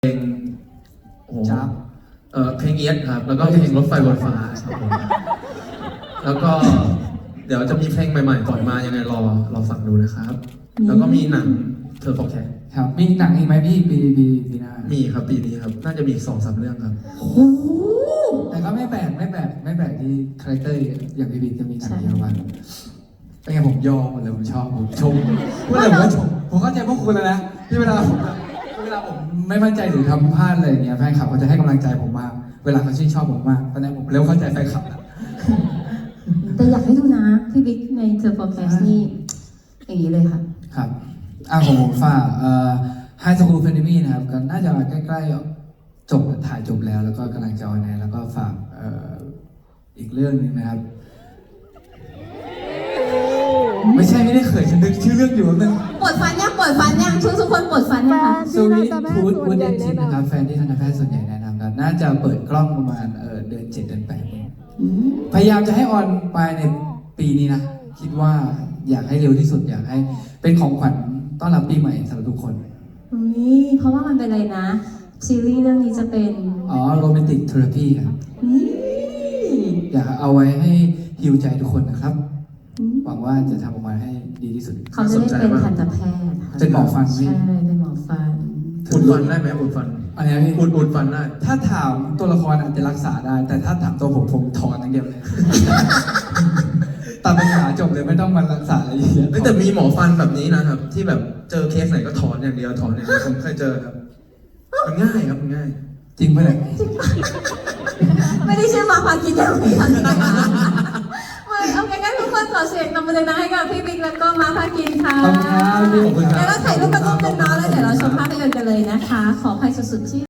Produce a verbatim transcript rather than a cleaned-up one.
เพลงโอ้โหจ้าเอ่อเพลงเอียดครับแล้วก็เพลงรถไฟบนฟ้าครับผมแล้วก็เดี๋ยวจะมีเพลงใหม่ๆปล่อยมายังไงรอรอฟังดูนะครับ แล้วก็มีหนังเธอฟอร์แคสครับมีหนังอีกไหมพี่ปีปีปีหน้ามีครับปีนี้ครับน่าจะมีสองสามเรื่องครับโอ้โหแต่ก็ไม่แปลกไม่แปลกไม่แปลกที่คาแรคเตอร์อย่างพี่บิ๊กจะมีหนังเยอะมากเป็นไงผมยอมหมดเลยผมชอบผมชมพูดเลยผมก็ชมผมเข้าใจพวกคุณแล้วนะที่เวลาผมแบบเวลาผมไม่มั่นใจหรือทำพลาดอะไรอย่างเงี้ยแฟนคลับเขาจะให้กำลังใจผมมากเวลาเขาชื่นชอบผมมากตอนนี้ผมเริ่มเข้าใจแฟนคลับแล้วแต่อยากให้ดูนะ พี่บิ๊กในเธอ forecast นี่อย่างนี้เลยค่ะครับอ่ะของผมฝากเอ่อ High School Academy นะครับก็น่าจะใกล้ๆจบถ่ายจบแล้วแล้วก็กำลังจะออนแอร์แล้วก็ฝากเอ่ออีกเรื่องหนึงนะครับ ไม่ใช่ไม่ได้เขินฉันนึกชื่อเรื่องอยู่นึงปวดฟันยังปวดฟันยังทุกทุกคนปวดฟันยังคะซูริทูดวูดเดนจิตนะครับแฟนที่ทันตแพทย์ส่วนใหญ่แนะนำครับน่าจะเปิดกล้องประมาณเอ่อเดือนเจ็ดเดือนแปดเองอืมพยายามจะให้ออนไปในปีนี้นะ คิดว่าอยากให้เร็วที่สุดอยากให้เป็นของขวัญต้อนรับปีใหม่สำหรับทุกคนอุ๊ยเพราะว่ามันเป็นอะไรนะ ซีรีส์เรื่องนี้จะเป็นอ๋อโรแมนติกเทอราพีครับนี่อยากเอาไว้ให้ฮิวใจทุกคนนะครับอืมหวังว่าจะทำออกมาให้ดีที่สุดเขาจะได้เป็นทันตแพทย์ค่ะเป็นหมอฟันพี่ใช่เป็นหมอฟันอุดฟันได้ไหมอุดฟันอันนี้พี่อุดอุดฟันได้ถ้าถามตัวละครอาจจะรักษาได้ แต่ถ้าถามตัวผมผมถอนอย่างเดียวเลย ตัดปัญหาจบเลยไม่ต้องมารักษาอะไรเยอะเอ้ยแต่มีหมอฟันแบบนี้นะครับ ที่แบบเจอเคสไหนก็ถอนอย่างเดียวถอนอย่างเดียวผมเคยเจอครับมันง่ายครับมันง่ายจริงปะเนี่ยไม่ได้ชื่อมาพากินอย่างนี้นะคะไม่เอางั้นทุกคนขอเสียงตบมือดังๆให้กับพี่บิ๊กแล้วก็มาพากินค่ะขอบคุณครับพี่ขอบคุณครับแล้วเราถ่ายรูปกันรูปกันเนาะแล้วเดี๋ยวเราชมภาพยนตร์กันเลยนะคะ ขออภัยสุดๆที่